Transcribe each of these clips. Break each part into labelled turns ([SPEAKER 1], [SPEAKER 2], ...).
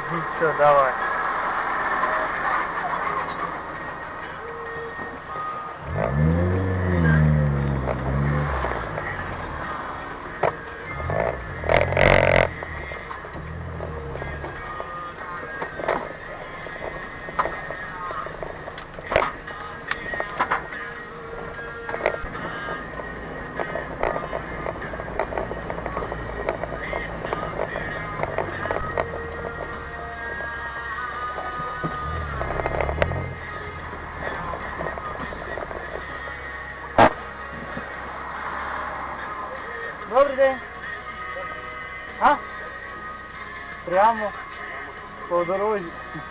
[SPEAKER 1] Все, давай. Добрий день. А? Прямо по дорозі.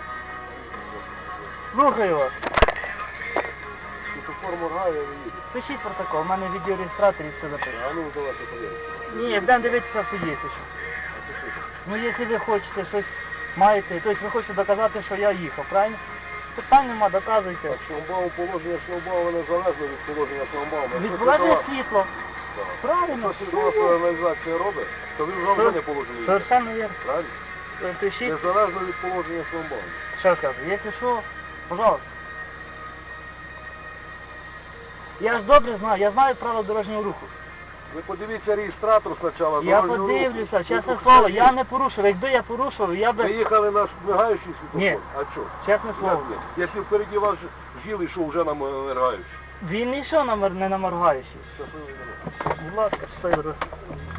[SPEAKER 1] Слухаю вас.
[SPEAKER 2] Світофор моргає, я не їду.
[SPEAKER 1] Пишіть протокол, у мене відеореєстратор і все записано.
[SPEAKER 2] А ну давайте подивимося.
[SPEAKER 1] Ні, будемо дивитися в суді. Ну, якщо ви хочете щось маєте, тобто ви хочете доказати, що я їхав, правильно? Питань нема, доказуйте.
[SPEAKER 2] Так, шлагбаум, положення шлагбаума незалежно від положення шлагбаума.
[SPEAKER 1] Відбувається світло. Правильно.
[SPEAKER 2] Якщо світлова сигналізація робить, то він вже не положення.
[SPEAKER 1] Совершенно вірно.
[SPEAKER 2] Правильно?
[SPEAKER 1] Пишіть.
[SPEAKER 2] Незалежно від положення шлагбаума.
[SPEAKER 1] Що скажу, якщо що, пожалуйста. Я ж добре знаю, я знаю правила дорожнього руху.
[SPEAKER 2] Ви подивіться реєстратор спочатку.
[SPEAKER 1] Я подивлюся, чесне слово, я не порушив. Якби я порушив, я би...
[SPEAKER 2] Ви їхали на мигаючий світофор?
[SPEAKER 1] Ні.
[SPEAKER 2] А що?
[SPEAKER 1] Чесне слово.
[SPEAKER 2] Якщо впереді вас жіл йшов вже на мигаючий.
[SPEAKER 1] Він не йшов не на моргаючий.
[SPEAKER 2] Щасливий день.
[SPEAKER 1] Будь ласка, щасливо.